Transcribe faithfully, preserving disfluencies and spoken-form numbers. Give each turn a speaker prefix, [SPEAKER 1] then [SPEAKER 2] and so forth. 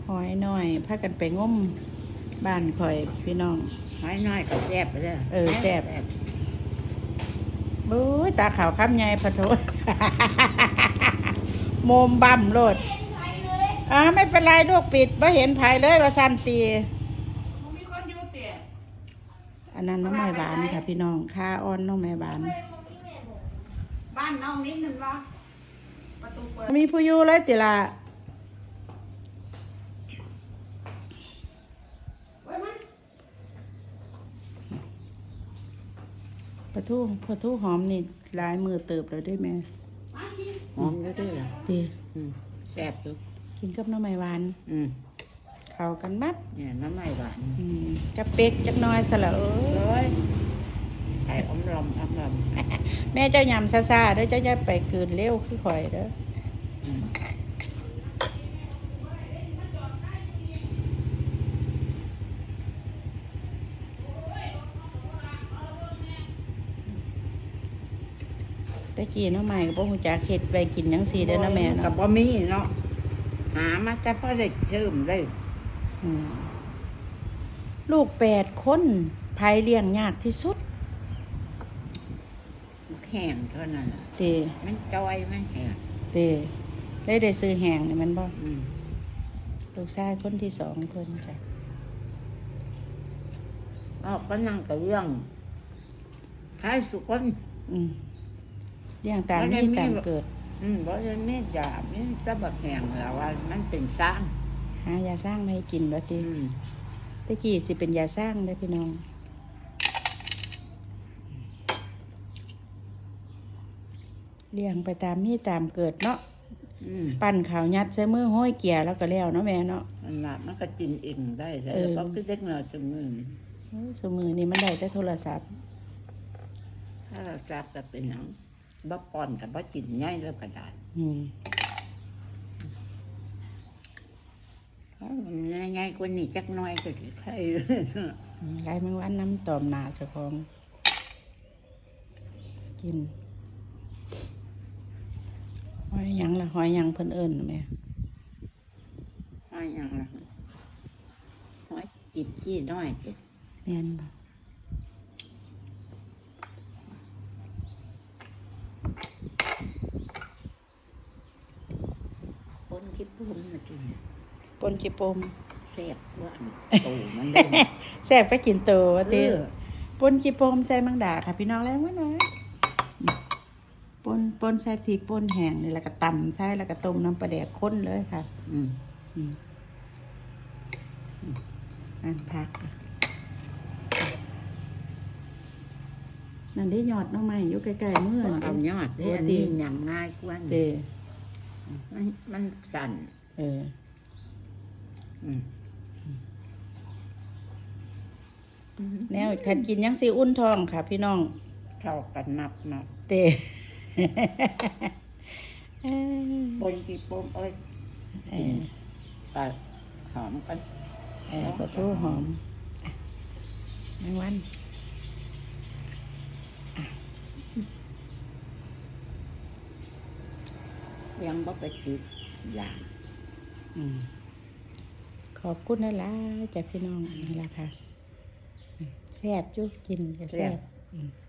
[SPEAKER 1] หอยหน่อยพากันไปงมบ้านข่อยพี่น้อง
[SPEAKER 2] หอยน้อยก็แซ่บไปเลย
[SPEAKER 1] เออแซ่บโอ้ยตาขาวคำใหญ่พะโถโมมบั่มโลดอ่าไม่เป็นไรลูกปิดไม่เห็นภายเลยว่าสันตีอันนั้นน้องไม้บานค่ะพี่น้องค่าอ้อนน้องไม้บาน
[SPEAKER 2] บ้านน้องนิดนึงวะประตูเปิด
[SPEAKER 1] มีผู้อยู่เลยติละปลาทูปลาทูหอมนี่ลายมือเติบเลยด้วยแม่
[SPEAKER 2] หอมก็ได้เหรอ
[SPEAKER 1] ดี
[SPEAKER 2] แซ่บอยู่
[SPEAKER 1] กินกับน้ำไม้หวานเข้ากันมัด
[SPEAKER 2] เนี่ยน้ำไม้หวาน
[SPEAKER 1] กระเป็กจักน้อยสละเอ้ย
[SPEAKER 2] ไข่อมลมอมลม
[SPEAKER 1] แม่เจ้ายำซาซาเด้อเจ้าจะไปเกินเร็วคือข่อยเด้อตะกี้น้องใหม่กับพวกหูจ่าเข็ดไปกินยังสีเด้อนะแม่เนาะ
[SPEAKER 2] กับบะหมี่เนาะหามาจะพอได้เชื่อมได้
[SPEAKER 1] ลูกแปดคนภายเลี้ยงยากที่สุด
[SPEAKER 2] แห้งเท่านั้น
[SPEAKER 1] เต
[SPEAKER 2] มันจอยมันแห้ง
[SPEAKER 1] เตได้ได้ซื้อแห้งนี่มันบ่ลูกชายคนที่สองคนจ้ะ
[SPEAKER 2] อ๋อก็นั่งกับเรื่องใครสุกคน
[SPEAKER 1] เรื่องตามที่ตามเกิด
[SPEAKER 2] อืมเพราะฉะนั้นไม่ยาไม่จะแบบแห้งแล้วว่ามันเป็นสร้าง
[SPEAKER 1] หายาสร้างไม่ให้กินแล้วทีตะกี้สิเป็นยาสร้างได้พี่น้องเลี้ยงไปตามมีตามเกิดเนาะปั่นข่าวยัดใส่มือห้อยเกียร์แล้วก็แล้วเนาะแม่เนาะ
[SPEAKER 2] มันหนักมันก็กินเองได้เลยเพราะคือเด็กเราสมือ
[SPEAKER 1] สมือนี่มันได้แต่โทรศัพท์
[SPEAKER 2] ถ้าเราจับจะเป็นหนังบ่ปอนกับบ่จินง่ายแล้วกระดาษง่ายๆกว่านี้จักน้อยก็ใคร
[SPEAKER 1] ไรมันวันน้ำตอมหนาเจ้าของกินหอยยังละหอยยังเพิ่นเอิญแม่
[SPEAKER 2] หอยยังละหอยจิบจี้น้อยเด็ด
[SPEAKER 1] แม่นบ่
[SPEAKER 2] ปนขี้ปุ่มมากิน
[SPEAKER 1] ปนขี้ปม
[SPEAKER 2] แซ่บว่าโตมันได้
[SPEAKER 1] แซ่บไปกินโตว่าติปนขี้ปมใส่มังดาค่ะพี่น้องแล้วว่าน้อยปนปนใส่พริกปนแห้งนี่แล้วก็ตำใส่แล้วก็ต้มน้ำปลาแดกข้นเลยค่ะอืมอืมอันพักนั่นได้ยอดน้องใหม่อยู่ใกล้ๆมือ
[SPEAKER 2] เอายอดได้อันนี้ยำง่ายกว่า
[SPEAKER 1] เด้
[SPEAKER 2] มันมันสั่น
[SPEAKER 1] เออแนวขันกินยังสีอุ่นทองค่ะพี่น้อง
[SPEAKER 2] เข้ากันนับนับ
[SPEAKER 1] เตะ
[SPEAKER 2] ปนกี่ปมเอ้ยปลาหอมกัน
[SPEAKER 1] ปลาทูหอมแมงวัน
[SPEAKER 2] ยังบ่ไปติดอย่าง
[SPEAKER 1] ขอบคุณนะล่ะจากพี่น้องนี่แหละค่ะแซ่บจุ๊กินจะแซ่บ